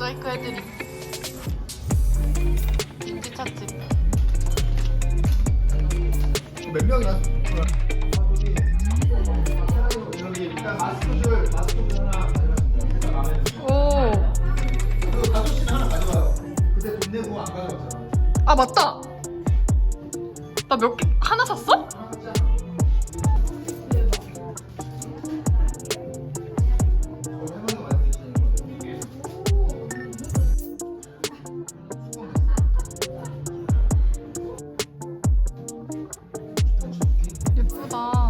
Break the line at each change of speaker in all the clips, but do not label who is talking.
모자이크 해드림. 인지 찻집.
몇 명이나? 여기 일단 마스크줄 하나 가져가시면
오.
그리고 가족실 하나 가져가요. 그때 돈 내고 안 가져갔잖아.
아 맞다. 나 몇 개 하나 샀어? 예쁘다.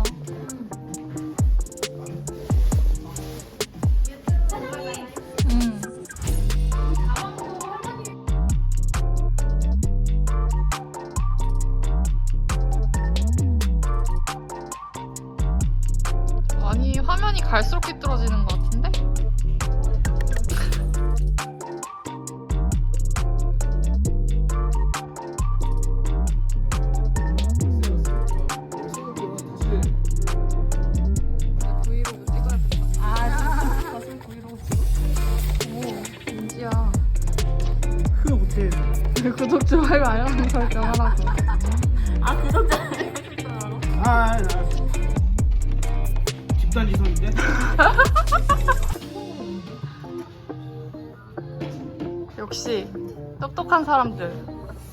아니 화면이 갈수록 삐뚤어지는 것 같은데? 브이로그 찍어야겠다. 사실 브이로그 찍어? 오, 민지야.
그거 못해.
구독, 좋아요, 알람 설정하라고.
아 구독자
아, 나 집단 지성인데?
역시 똑똑한 사람들.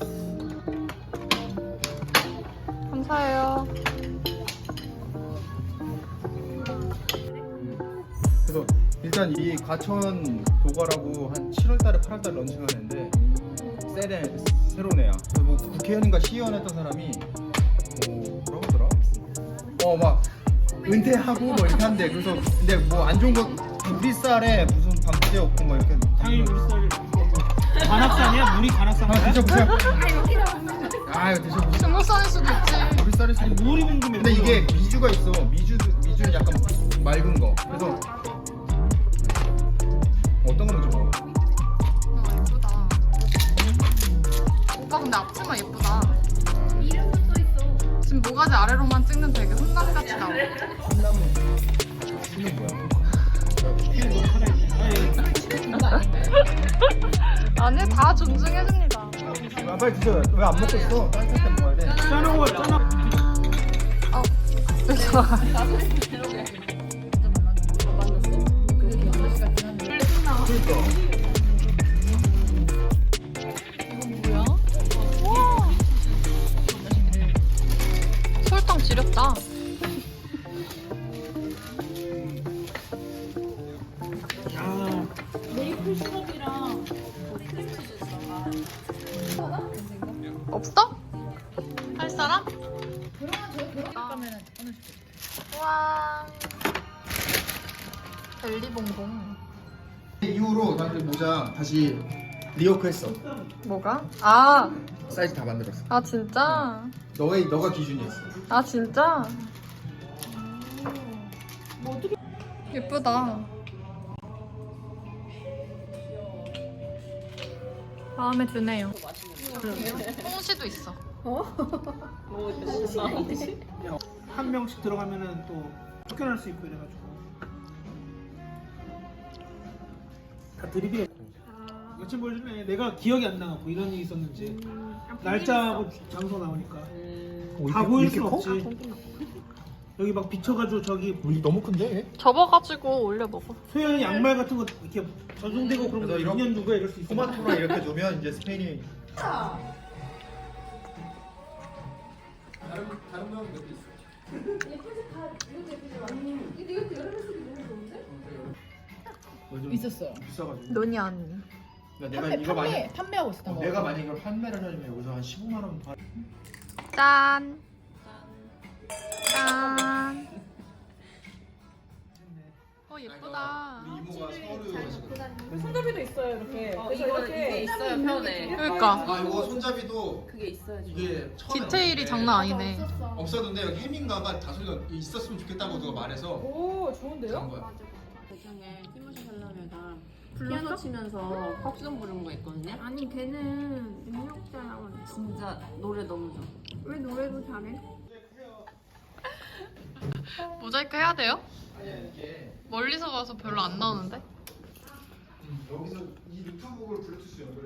감사해요.
그래서 일단 이 과천 도가라고 한 7월달에 8월달 런칭하는데 새로운 애야. 그래서 뭐 국회의원인가 시의원 했던 사람이 뭐 뭐라고 하더라? 막 은퇴하고 뭐 이렇게 한대. 그래서 근데 뭐 안 좋은 거 우리 쌀에 무슨 방부제 없고 뭐 이렇게
당연히 우리 쌀이 관악산이야? 물이 관악산이야?
드셔보세요. 아 이거 드셔보세요.
중국산일 수도 있지.
우리 쌀이
아니 물이 궁금해.
근데 이게 미주가 있어. 미주는 약간 맑은 거. 그래서 어떤 거 먼저 먹어?
예쁘다. 오빠 근데 앞치마 예쁘다.
이름도 써 있어.
지금 모가지 아래로만 찍는 되게 훈남같이 나와.
콩나물 씨는 뭐야?
아니 다 존중해줍니다.
아, 빨리 드셔. 왜 안 먹고 있어? 따뜻할 때 먹어야 돼.
짜놓고 짜놓.
그러니까.
이건 뭐야? 와. 설탕 지렸다.
아,
메이플 시럽이랑 크림치즈 있어.
없어? 할 사람?
그러면 저희 결혼 가면은 어느
와. 벨리봉봉.
이후로 나그 모자 다시 리워크했어.
뭐가? 아,
사이즈 다 만들었어.
아 진짜?
너가 기준이었어.
아 진짜? 예쁘다. 마음에 드네요. 홍시도 있어.
한 명씩 들어가면은 또 쫓겨날 수 있고 이래가지고 다 드립이야. 여친 보여주네. 내가 기억이 안 나고 이런 일이 있었는지 날짜하고 장소 나오니까 다 보일 수 없지. 여기 막 비쳐가지고 저기
우리 너무 큰데?
접어가지고 올려 먹어.
소연 양말 같은 거 이렇게 전송되고 그런 거
그래서 이런
2년 누가 이럴 수 있어.
토마토랑 이렇게 주면 이제 스페인이 다른 모양도 있어.
있었어요.
비싸가지고.
논이 언니.
내가 이거 많이
판매하고 있었던 거.
내가 만약 이걸 판매를 하려면 여기서 한 15만 원 파.
짠. 짠. 예쁘다.
우리 이모가 서울에 오시거든.
손잡이도 있어요 이렇게. 그래서
이거 이게 있어요 편에.
그러니까
아 이거 손잡이도
그게 있어야지.
이게 처음에
디테일이
없는데
장난 아니네.
없었는데 여기 해민가가 다소리가 있었으면 좋겠다고 누가 말해서
오 좋은데요?
간 거야.
배경에 티모시 샬라메가 피아노 치면서 팝송 부르는 거 있거든요.
아니 걔는 능력자라고
진짜 노래 너무 좋아.
왜 노래도 잘해?
모자이크 해야 돼요? 멀리서 봐서 별로 안 나오는데?
여기서 이 노트북을 블루투스 연결해.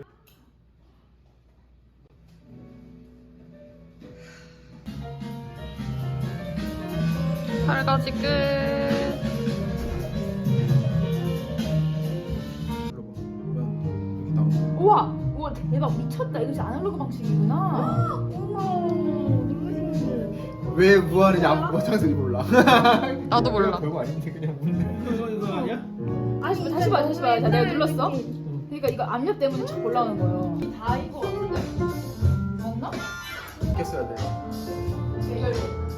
설거지 끝.
여기 나오고.
우와, 우와 대박 미쳤다. 이거 진짜 아날로그 방식이구나.
왜 무한인지 아무 장소인지 몰라.
나도 몰라.
별거 아닌데 그냥 묻는.
이거 아니야?
아니 다시 봐. 자, 내가 눌렀어. 그러니까 이거 압력 때문에 촥 올라오는 거예요. 다 이거 같은데? 맞나?
이렇게 써야 돼.
이걸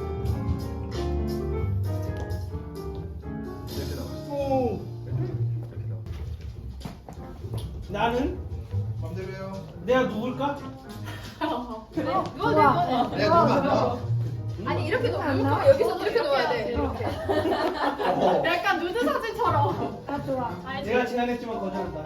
이렇게 나와.
오.
이렇게 나와.
나는
맘대로 해요.
내가 누굴까?
그래? 이거네.
내가 누르면 안 나와.
아니 이렇게 놓으면 안 나와. 여기서 이렇게 놓아야 돼. 이렇게. 약간 누드 사진처럼. 아 좋아.
내가 제안했지만 거절한다.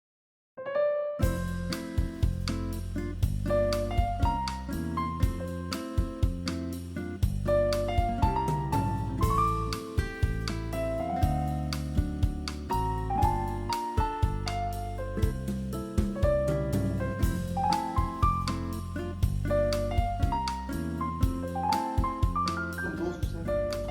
좀 넣어주세요.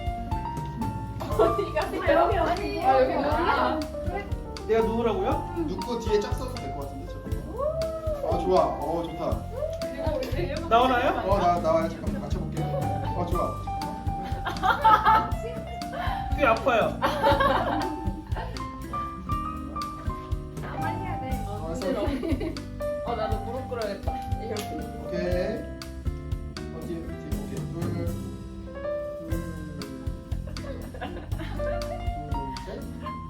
여기 아니. 아 여기 뭐야?
내가 누구라고요?
누구 뒤에 짝 써도 될 것 같은데 잠깐만. 아 좋아. 좋다.
나오나요?
나와요. 잠깐만 맞춰볼게요. 좋아.
꽤 아파요.
나만 해야 돼.
나도 무릎 꿇어야겠다. 이렇게.
오케이. 뒤에 오케이. 둘, 셋.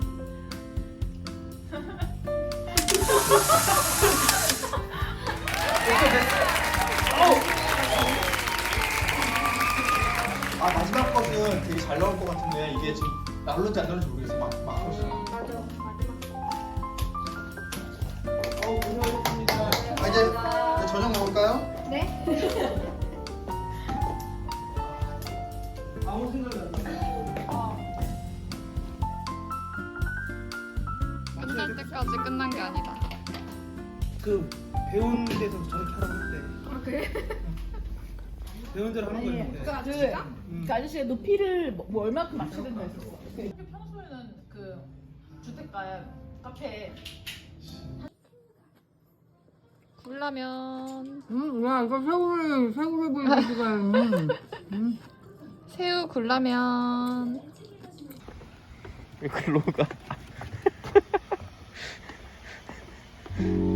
마지막 것은 되게 잘 나올 것 같은데 이게 지금 나올는지 안 나올는지 모르겠어. 막 하고
맞아.
고생하셨습니다. 이제 저녁 먹을까요?
네?
아무 생각이 안 나.
끝날 때까지 끝난 게 아니다.
그 배운 데서 저렇게 하라고 했대.
아 그래?
배운 대로 하는 거였는데.
그 아저씨가 높이를 뭐 얼마큼 맞춰야 된다 했었어. 평소에는 그 주택가에 카페
굴라면.
야, 이거 새우를 보여주지.
새우 굴라면.
왜 글로 가?